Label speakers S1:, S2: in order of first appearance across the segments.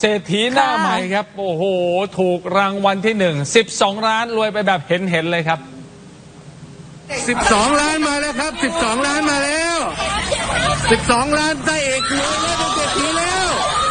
S1: เศรษฐีหน้าใหม่ครับโอ้โหถูกรางวัลที่12 ล้านรวยไปแบบเห็นเลยครับ
S2: 12 ล้านมาแล้วครับ12 ล้านมาแล้ว12 ล้านได้เอกรวยแล้วเป็นเศรษฐีแล้ว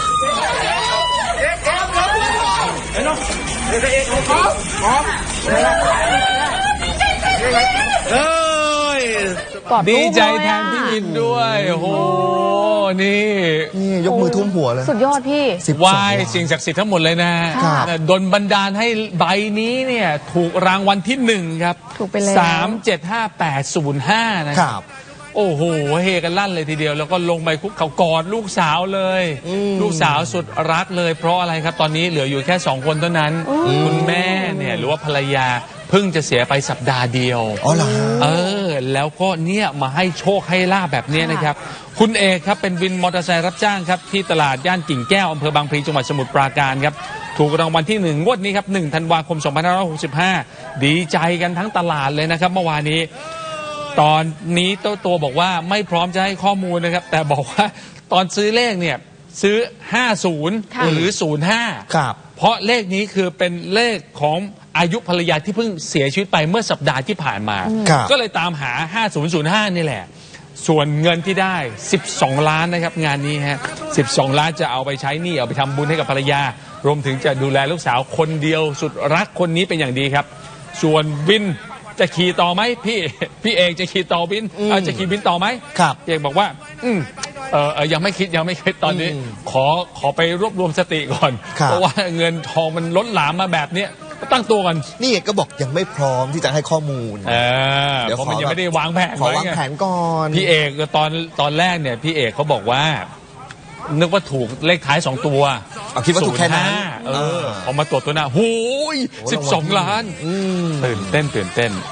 S2: เอ้ย
S1: ดีใจแทนพี่อินด้วยโอ้โหนี่
S3: ยกมือทุ่มหัวเลย
S4: สุดยอดพี่
S1: ไหว้สิ่งศักดิ์สิทธิ์ทั้งหมดเลยนะดลบันดาลให้ใบนี้เนี่ยถูกรางวัลที่1ครับ
S4: ถูกไปเลย
S1: 375805นะครับโอ้โหเฮกันลั่นเลยทีเดียวแล้วก็ลงไปคุกเขากอดลูกสาวเลยลูกสาวสุดรักเลยเพราะอะไรครับตอนนี้เหลืออยู่แค่2 คนเท่านั้นคุณแม่เนี่ยหรือว่าภรรยาเพิ่งจะเสียไปสัปดาห์เดียว
S3: อ๋อเหรอ
S1: แล้วก็เนี่ยมาให้โชคให้ลาภแบบนี้นะครับคุณเอกครับเป็นวินมอเตอร์ไซค์รับจ้างครับที่ตลาดย่านกิ่งแก้วอำเภอบางพลีจังหวัดสมุทรปราการครับถูกรางวัลที่1งวดนี้ครับ1 ธันวาคม 2565ดีใจกันทั้งตลาดเลยนะครับเมื่อวานนี้ตอนนี้ตัวบอกว่าไม่พร้อมจะให้ข้อมูลนะครับแต่บอกว่าตอนซื้อเลขเนี่ยซื้อ50หรือ05
S3: ครับ
S1: เพราะเลขนี้คือเป็นเลขของอายุภรรยาที่เพิ่งเสียชีวิตไปเมื่อสัปดาห์ที่ผ่านมาก็เลยตามหา5005นี่แหละส่วนเงินที่ได้12 ล้านนะครับงานนี้ฮะ12 ล้านจะเอาไปใช้หนี้เอาไปทำบุญให้กับภรรยารวมถึงจะดูแลลูกสาวคนเดียวสุดรักคนนี้เป็นอย่างดีครับส่วนบินจะขี่ต่อไหมพี่เอกจะขี่ต่อบินจะขี่บินต่อไหม
S3: ครับ
S1: เอกบอกว่ายังไม่คิดตอนนี้ขอไปรวบรวมสติก่อนเพราะว่าเงินทองมันล้นหลามมาแบบนี้ตั้งตัวกัน
S3: นี่ก็บอกยังไม่พร้อมที่จะให้ข้อมูล
S1: เดี๋ยวมันยังไม่ได้วางแผน
S3: ขอวางแผนก่อน
S1: พี่เอกตอนแรกเนี่ยพี่เอกเขาบอกว่านึกว่าถูกเลขท้าย2 ตัว
S3: คิดว่าถูกแค่นั้น
S1: พอมาตรวจตัวหน้าโอ้ย12 ล้านตื่นเต้น